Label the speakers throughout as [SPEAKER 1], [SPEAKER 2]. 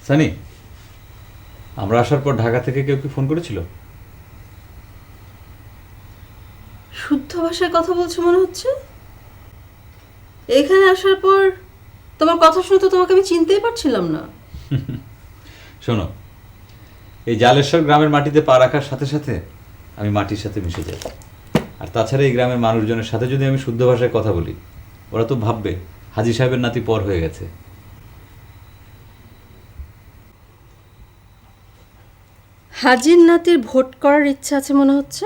[SPEAKER 1] সানি, আমরা আসার পর ঢাকা থেকে কেউ কি ফোন করেছিল?
[SPEAKER 2] শুদ্ধ ভাষায় কথা বলছো মনে হচ্ছে। এখানে আসার পর তোমার কথা শুনে তো তোমাকে আমি চিনতেই পারছিলাম না।
[SPEAKER 1] শোনো, এই জালেশ্বর গ্রামের মাটিতে পা রাখার সাথে সাথে আমি মাটির সাথে মিশে যাই। আর তাছাড়া এই গ্রামের মানুষজনের সাথে যদি আমি শুদ্ধ ভাষায় কথা বলি, ওরা তো ভাববে হাজি সাহেবের নাতি পর হয়ে গেছে।
[SPEAKER 2] হাজির নাতির ভোট করার ইচ্ছা আছে মনে হচ্ছে।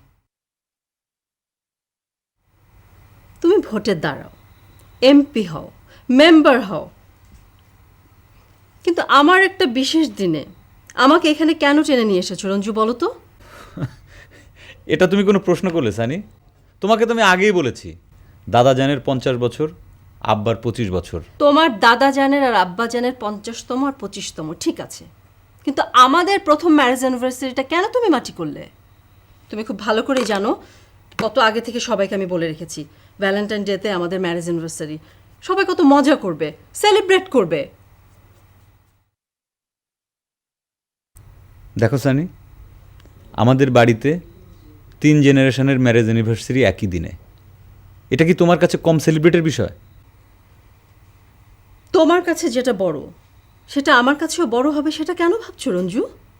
[SPEAKER 2] তুমি ভোটে দাঁড়াও, এমপি হও, মেম্বার হও, কিন্তু আমার একটা বিশেষ দিনে আমাকে এখানে কেন টেনে নিয়ে এসেছো রঞ্জু, বলো তো?
[SPEAKER 1] এটা তুমি কোনো প্রশ্ন করলে সানি? তোমাকে তো আমি আগেই বলেছি, দাদা জানের 50 বছর, আব্বার 25 বছর।
[SPEAKER 2] তোমার দাদা জানের আর আব্বা জানের 50তম আর 25তম ঠিক আছে, কিন্তু আমাদের প্রথম ম্যারেজ অ্যানিভার্সারিটা কেন তুমি মাটি করলে? তুমি খুব ভালো করেই জানো, কত আগে থেকে সবাইকে আমি বলে রেখেছি ভ্যালেন্টাইন ডেতে আমাদের ম্যারেজ অ্যানিভার্সারি, সবাই কত মজা করবে, সেলিব্রেট করবে।
[SPEAKER 1] দেখো সানি, আমাদের বাড়িতে 3 জেনারেশনের ম্যারেজ অ্যানিভার্সারি একই দিনে। এটা কি তোমার কাছে কম সেলিব্রেটের বিষয়?
[SPEAKER 2] তোমার কাছে যেটা বড় সেটা আমার কাছেও বড় হবে, সেটা কেন ভাবছো রঞ্জু?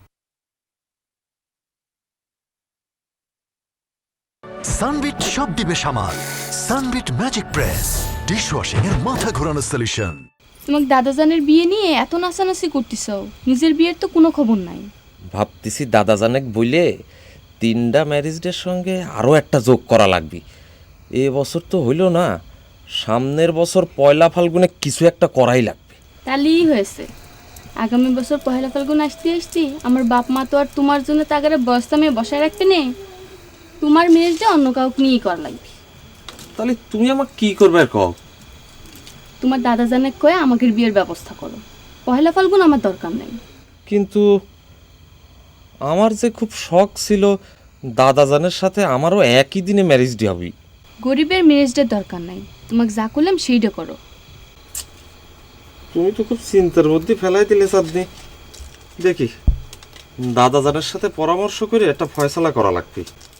[SPEAKER 3] সানবিট সব দিবে সামাল। সানবিট ম্যাজিক প্রেস ডিশওয়াশিং এর মাথা ঘোরানো সলিউশন।
[SPEAKER 4] তোমাকে দাদাজানের বিয়ে নিয়ে এত নাচানাচি করতেছ, নিজের বিয়ের তো কোনো খবর নাই।
[SPEAKER 5] ভাবতেছি দাদাজানেক বইলে 3টা ম্যারেজ ডের সঙ্গে আরও একটা যোগ করা লাগবে। এ বছর তো হইল না, সামনের বছর পয়লা ফাল্গুনে কিছু একটা করাই লাগবে।
[SPEAKER 4] তাহলেই হয়েছে, আগামী বছর পহেলা ফাল্গুন আসতে আসতে আমার বাপ মা তো আর তোমার জন্য তাগারে বস্তা মেয়ে বসায় রাখতে নেই। তোমার মেয়েটা অন্য কাউকে নিয়েই করা লাগবে।
[SPEAKER 5] তাহলে তুমি আমাকে কি করবে আর কও?
[SPEAKER 4] তোমার দাদাজানেক কয়ে আমাকে বিয়ের ব্যবস্থা করো, পহেলা ফাল্গুন আমার দরকার নেই।
[SPEAKER 5] কিন্তু আমার যে খুব শখ ছিল দাদাজানের সাথে আমারও একই দিনে ম্যারেজ ডে হবে।
[SPEAKER 4] গরিবের ম্যারেজটার দরকার নাই, তোমাকে যা করলাম সেইটা করো।
[SPEAKER 5] তুমি তো খুব চিন্তার মধ্যে ফেলাই দিলে চাঁদনি। দেখি দাদাজানের সাথে পরামর্শ করে একটা ফয়সালা করা লাগবে।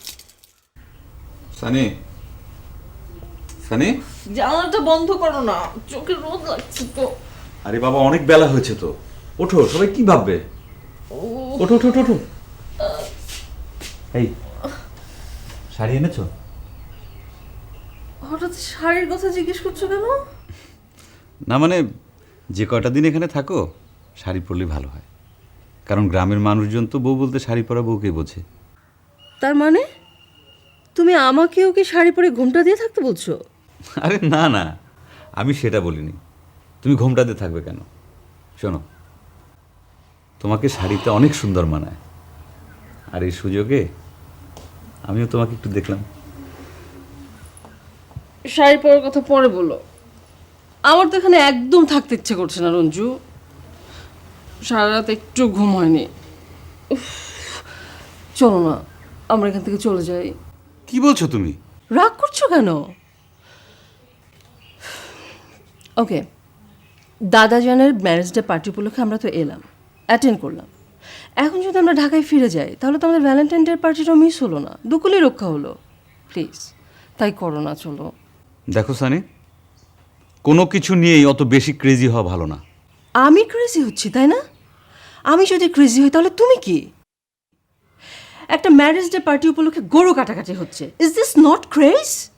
[SPEAKER 1] সানি, সানি,
[SPEAKER 2] জানালাটা বন্ধ করো না, চোখে রোদ লাগছে তো।
[SPEAKER 1] আরে বাবা, অনেক বেলা হয়েছে তো, ওঠো, সবাই কি ভাববে? ওঠো ওঠো ওঠো ওঠো। এই শাড়ি এনেছো?
[SPEAKER 2] হঠাৎ শাড়ির কথা জিজ্ঞেস করছো কেন?
[SPEAKER 1] না মানে, যে কয়টা দিন এখানে থাকো শাড়ি পরলে ভালো হয়, কারণ গ্রামের মানুষজন তো বউ বলতে শাড়ি পরা বউকে বোঝে।
[SPEAKER 2] তার মানে তুমি আমাকেও কি শাড়ি পরে ঘোমটা দিয়ে থাকতে বলছো?
[SPEAKER 1] আরে না না, আমি সেটা বলিনি। তুমি ঘোমটা দিয়ে থাকবে কেন? শোনো, তোমাকে শাড়িতে অনেক সুন্দর মানায়, আর এই সুযোগে আমিও তোমাকে একটু দেখলাম।
[SPEAKER 2] শাড়ি পরার কথা পরে বলো, আমার তো এখানে একদম থাকতে ইচ্ছে করছে না রঞ্জু। সারা রাত একটু ঘুম হয়নি। উফ, চলো না আমরা এখান থেকে চলে যাই।
[SPEAKER 1] কি বলছো তুমি?
[SPEAKER 2] রাগ করছো কেন? ওকে, দাদাজানের ম্যারেজ ডে পার্টি উপলক্ষে আমরা তো এলাম, অ্যাটেন্ড করলাম। এখন যদি আমরা ঢাকায় ফিরে যাই তাহলে তো আমাদের ভ্যালেন্টাইন ডে পার্টিটাও মিস হলো না, দুকুলি রক্ষা হলো। প্লিজ তাই করো না, চলো।
[SPEAKER 1] দেখো সানি, কোনো কিছু নিয়েই অত বেশি ক্রেজি হওয়া ভালো না।
[SPEAKER 2] আমি ক্রেজি হচ্ছি তাই না? আমি যদি ক্রেজি হই তাহলে তুমি কি? একটা ম্যারেজ ডে পার্টি উপলক্ষে গরু কাটাকাটি হচ্ছে, ইজ দিস নট ক্রেজ?